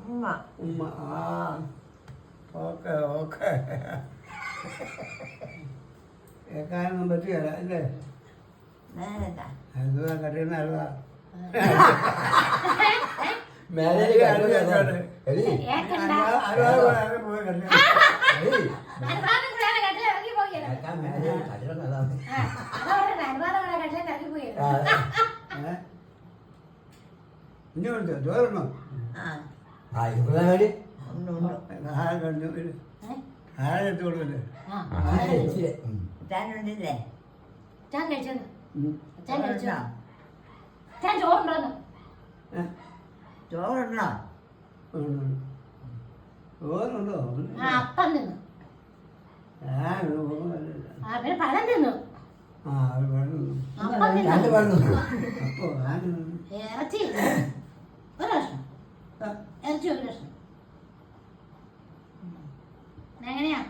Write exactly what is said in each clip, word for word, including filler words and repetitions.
ഉമ്മ ഉമ്മ. ആ ഓക്കെ ഓക്കെ. കേൾക്കാനൊന്നും പറ്റിയല്ല അല്ലേ? അലുവ കട്ടിയുന്ന അലുവ. ഇനിയുണ്ട് ചോറുണ്ടോ? ആരെടുത്ത് കൊടുക്കല്ലേ? ഉണ്ടില്ലേ? ചോറുണ്ടോ? ചോറുണ്ടോ? അപ്പം തിന്നു. പഴം തിന്നു. ആ അത് വേണം. ഇറച്ചി ഒരു കഷ്ണം, ഇറച്ചി ഒരു കഷ്ണം. എങ്ങനെയാ?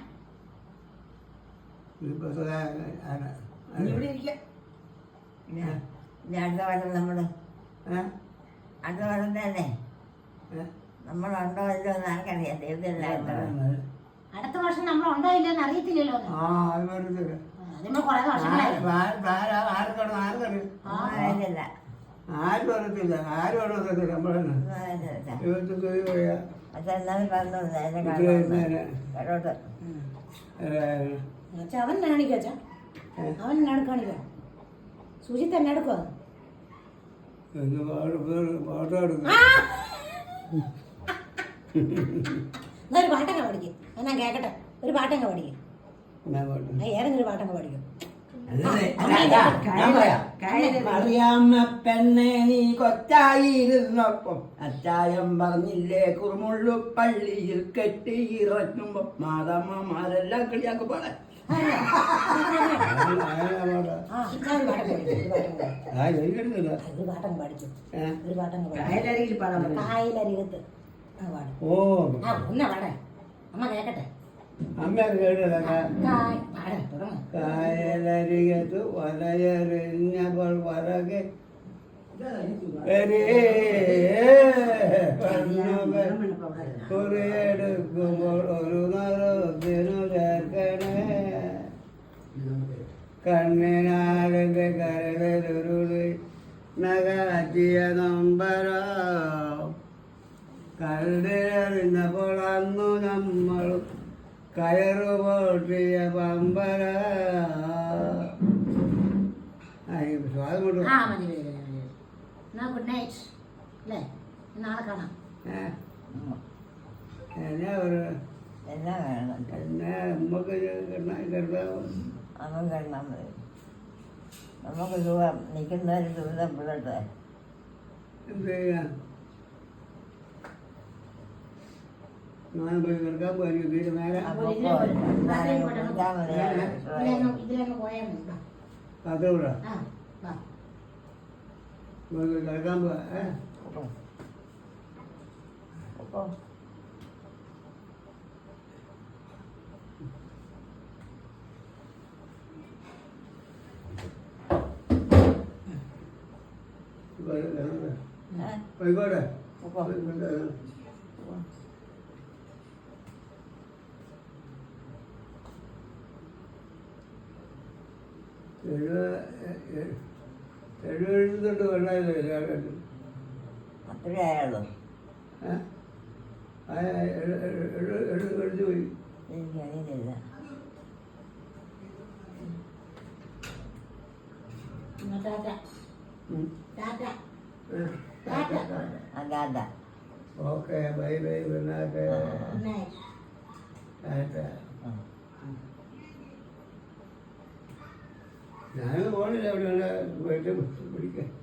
ഇവിടെ ഇരിക്കാം. അടുത്ത വർഷം നമ്മള് അടുത്ത വർഷം തന്നെ നമ്മളുണ്ടോ ഇല്ലോ എന്ന് ആർക്കറിയാം. ദൈവത്തിലായിരുന്നു. അടുത്ത വർഷം നമ്മൾ ഉണ്ടോ ഇല്ലെന്ന് അറിയത്തില്ലല്ലോ. അതിന് കുറെ വർഷങ്ങളായി. അറിയില്ല. ആരും അറിയത്തില്ല. ആരും അറിയത്തില്ല. നമ്മളെ പക്ഷെ എന്നാലും പറഞ്ഞോളൂ കേട്ടോട്ട്. അവൻ കാണിക്കാം അച്ഛാ, അവൻ എന്നാട് കാണിക്കാം. സുജിത്ത് എന്നെടുക്കുക. എന്നാ ഒരു പാട്ടങ്ങ പഠിക്കും. എന്നാ കേക്കട്ടെ, ഒരു പാട്ടങ്ങ പഠിക്കും. ഏതെങ്കിലും ഒരു പാട്ടങ്ങ പഠിക്കും. അറിയാമ്മ പെണ്ണെ നീ കൊച്ചായിരുന്നപ്പം അച്ചായം പറഞ്ഞില്ലേ കുറുമുള്ളു പള്ളിയിൽ കെട്ടി ഇറക്കുമ്പോ മാതാമ്മമാരെല്ലാം കളിയാക്കി പാടാൻ. കായലരികത്ത് ഓ ഒന്നാ പാടേ, അമ്മ കേക്കട്ടെ. അമ്മ കേട്ടില്ല. കായലരികത്ത് വലയെറിഞ്ഞപ്പോൾ വലകെ കുറിയെടുക്കുമ്പോൾ ഒരു നിറത്തിനു ചേർക്കണേ കണ്ണിനാരന്റെ കരലൊരുളി നകാറ്റിയ നമ്പരോ കരടിനെറിഞ്ഞപ്പോൾ അന്നു നമ്മളും കയറു പൊട്ടിയ പമ്പര. ഗുഡ് നൈറ്റ് അല്ലേ, നാളെ കാണാം. എന്നാ ഒരു എന്നാ വേണം? എന്നാ നമുക്ക് കിടന്നാവും. അവൻ കിടന്നാൽ മതി. നമുക്ക് സുഖം നിൽക്കുന്നവര് ദുരിതം പിള്ളട്ടെ. എന്ത് ചെയ്യാൻ? ഞാൻ പോയി കിടക്കാൻ പോയിരിക്കും. നേരെ കാത്തോടാ കിടക്കാൻ പോവാ. പോയിക്കോട്ടെ. എഴുപത്തൊട്ട് കൊണ്ടായില്ലേ എല്ലാവരും? അത്രേ ആയുള്ളൂ. എഴുതി പോയി. എനിക്കറിയില്ല. അതാ ഓക്കെ ബൈ ബൈ. ഗുഡ് ഞാനൊന്നും പോണില്ല. അവിടെ പോയിട്ട് പിടിക്കാൻ.